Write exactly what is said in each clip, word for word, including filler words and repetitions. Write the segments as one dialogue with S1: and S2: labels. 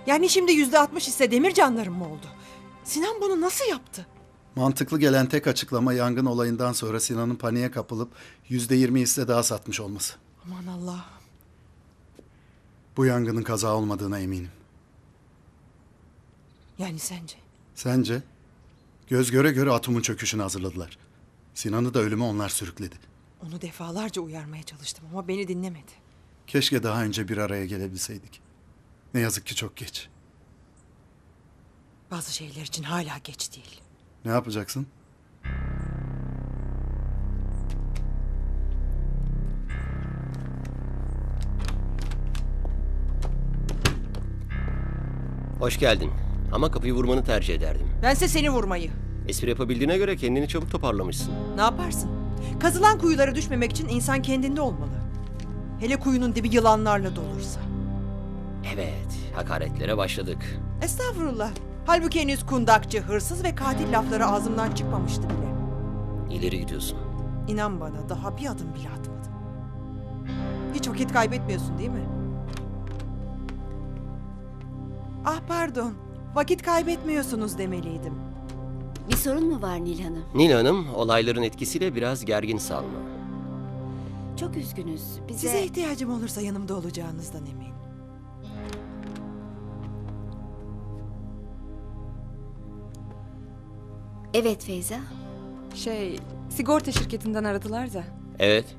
S1: Yani şimdi yüzde altmış hisse Demircanların mı oldu? Sinan bunu nasıl yaptı?
S2: Mantıklı gelen tek açıklama yangın olayından sonra Sinan'ın paniğe kapılıp yüzde yirmi hisse daha satmış olması.
S1: Aman Allah.
S2: Bu yangının kaza olmadığına eminim.
S1: Yani sence?
S2: Sence? Göz göre göre atomun çöküşünü hazırladılar. Sinan'ı da ölüme onlar sürükledi.
S1: Onu defalarca uyarmaya çalıştım ama beni dinlemedi.
S2: Keşke daha önce bir araya gelebilseydik. Ne yazık ki çok geç.
S1: Bazı şeyler için hala geç değil.
S2: Ne yapacaksın?
S3: Hoş geldin. Ama kapıyı vurmanı tercih ederdim.
S1: Bense seni vurmayı.
S3: Espri yapabildiğine göre kendini çabuk toparlamışsın.
S1: Ne yaparsın? Kazılan kuyulara düşmemek için insan kendinde olmalı. Hele kuyunun dibi yılanlarla dolursa.
S3: Evet, hakaretlere başladık.
S1: Estağfurullah. Halbuki henüz kundakçı, hırsız ve katil lafları ağzımdan çıkmamıştı bile.
S3: İleri gidiyorsun.
S1: İnan bana daha bir adım bile atmadım. Hiç vakit kaybetmiyorsun değil mi? Ah pardon. Vakit kaybetmiyorsunuz demeliydim.
S4: Bir sorun mu var Nil Hanım?
S3: Nil Hanım, olayların etkisiyle biraz gergin Salma.
S4: Çok üzgünüz. Bize...
S1: Size ihtiyacım olursa yanımda olacağınızdan eminim.
S4: Evet Feyza.
S5: Şey, sigorta şirketinden aradılar da
S3: Evet,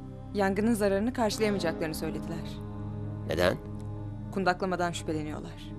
S5: yangının zararını karşılayamayacaklarını söylediler.
S3: neden?
S5: Kundaklamadan şüpheleniyorlar.